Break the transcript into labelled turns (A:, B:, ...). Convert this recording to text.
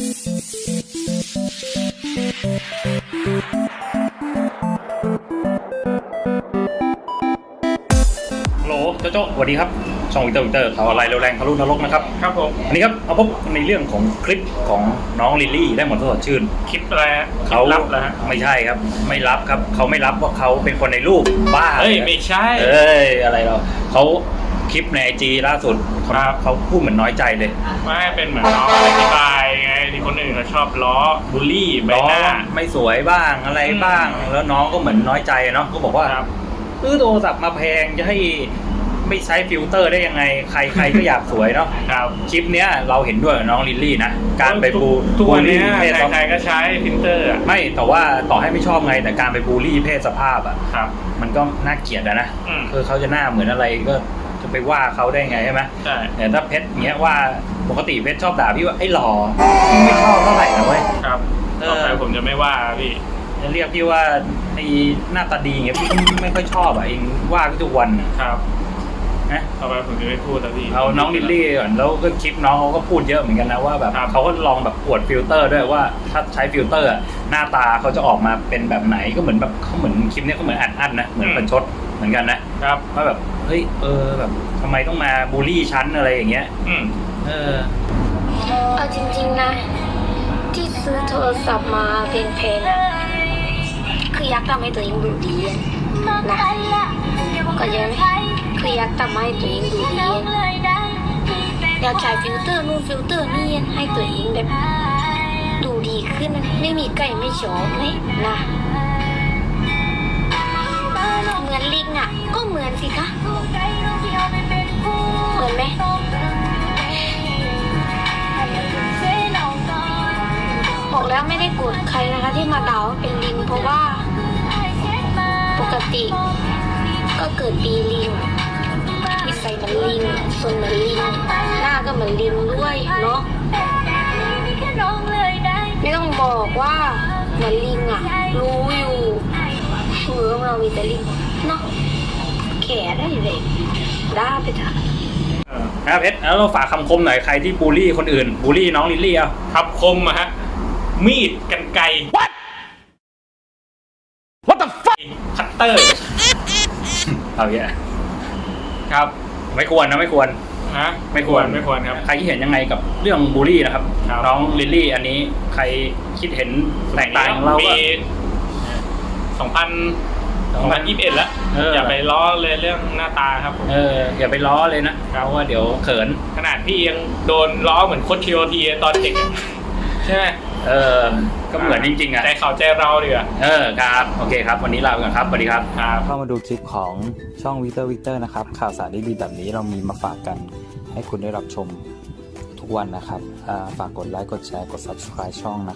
A: โหลโจ้สวัสดีครับช่องวิกเตอร์ข่าวอะไรเร็วแรงทะลุนรกนะครับ
B: ครับผม
A: อันนี้ครับเอาพบในเรื่องของคลิปของน้องลิลลี่ได้หมดสดชื่น
B: คลิปอะไร
A: เขา
B: รับแล้วฮะ
A: ไม่ใช่ครับไม่รับครับเขาไม่รับว่าเขาเป็นคนในรูปบ้า
B: เฮ้ยไม่ใช่
A: อะไรเราเขาคลิปใน IG ล่าสุดเขาพูดเหมือนน้อยใจเลย
B: ไม่เป็นเหมือนน้องอธิบายไงที่คนอื่นเขาชอบล้อบูลลี่ใบหน้า
A: ไม่สวยบ้างอะไรบ้างแล้วน้องก็เหมือนน้อยใจเนาะก็บอกว่าซื้อโทรศัพท์มาแพงจะให้ไม่ใช้ฟิลเตอร์ได้ยังไงใครก็อยากสวยเนาะคลิปเนี้ยเราเห็นด้วยกับน้องลิลลี่นะการไปบูลลี่เพศ
B: ใครก็ใช้ฟิลเตอร์
A: ไม่แต่ว่าต่อให้ไม่ชอบไงแต่การไปบูลลี่เพศสภาพอ่ะมันก็น่าเกลียดนะคือเขาจะหน้าเหมือนอะไรก็จะไปว่าเขาได้ไงใช่ไหม
B: ใช่
A: แต่ถ้าเพชรเนี้ยว่าปกติเพชรชอบด่าพี่ว่าไอ้หล่อไม่ชอบเท่าไหร่นะเว้ย
B: ครับต่อไปผมจะไม่ว่าพี่
A: จะเรียกพี่ว่าไอ้หน้าตาดีเงี้ยพี่ไม่ค่อยชอบอ่ะเองว่าพี่ทุกวัน
B: ครับนะต่อไปผมจะไม่พูดแล้วพี่
A: เอาน้องลิลลี่ก่อนแล้วก็คลิปน้องเขาก็พูดเยอะเหมือนกันนะว่าแบบเขาก็ลองแบบอวดฟิลเตอร์ด้วยว่าถ้าใช้ฟิลเตอร์หน้าตาเขาจะออกมาเป็นแบบไหนก็เหมือนแบบเขาเหมือนคลิปนี้เขาเหมือนอัดนะเหมือนประชดเหมือนกันนะครับว่าแบบเฮ้ยแบบทำไมต้องมาบูลลี่ชั้นอะไรอย่างเงี้ย
C: เอาจริงๆนะที่ซื้อโทรศัพท์มาเพลงๆอ่ะคืออยากทำให้ตัวเองดูดีนะก็ยังคืออยากทำให้ตัวเองดูดีอยากใช้ฟิลเตอร์นู่นฟิลเตอร์นี่ให้ตัวเองแบบดูดีขึ้นไม่มีใกล้ไม่ชอบไหมนะเหมือนลิงอ่ะก็เหมือนสิคะเหมือนไหมบอกแล้วไม่ได้โกรธใครนะคะที่มาด่าว่าเป็นลิงเพราะว่าปกติก็เกิดปีลิงนิสัยเหมือนลิงส่วนเหมือนลิงหน้าก็เหมือนลิงด้วยเนาะไม่ต้องบอกว่าเหมือนลิงอ่ะรู้อยู่มือของเรามีแต่ลิงเนาะแก่ได้เลยด่าไปเถอะ
A: นะเพชรแล้วเราฝากคำคมหน่อยใครที่บูลลี่คนอื่นบูลลี่น้องลิลลี่เอา
B: คำคมอะฮะมีดกรรไกร
A: What the fuck
B: คัตเตอร์
A: เอาแย่
B: ครับ
A: ไม่ควรนะไม่ควร
B: ไม่ควรครับ
A: ใครคิดเห็นยังไงกับเรื่องบูลลี่นะครับน้องลิลลี่อันนี้ใครคิดเห็นแตกต่างเราก็
B: 2021แล้วอย่าไปล้อเลยเรื่องหน้าตาครับ
A: อย่าไปล้อเลยนะเพราะว่าเดี๋ยวเขิน
B: ขนาดพี่ยังโดนล้อเหมือนโค้ชทีโอทีตอนเด็กใช่ไหม
A: ก็เหมือนจริงๆอ่ะ
B: ใจเขาใจเราดีกว่า
A: ครับโอเคครับวันนี้ลาไปก่อนครับสวัสดีครับ
D: เข้ามาดูคลิปของช่องวิกเตอร์นะครับข่าวสารดีๆแบบนี้เรามีมาฝากกันให้คุณได้รับชมทุกวันนะครับฝากกดไลค์กดแชร์กด Subscribe ช่องนะ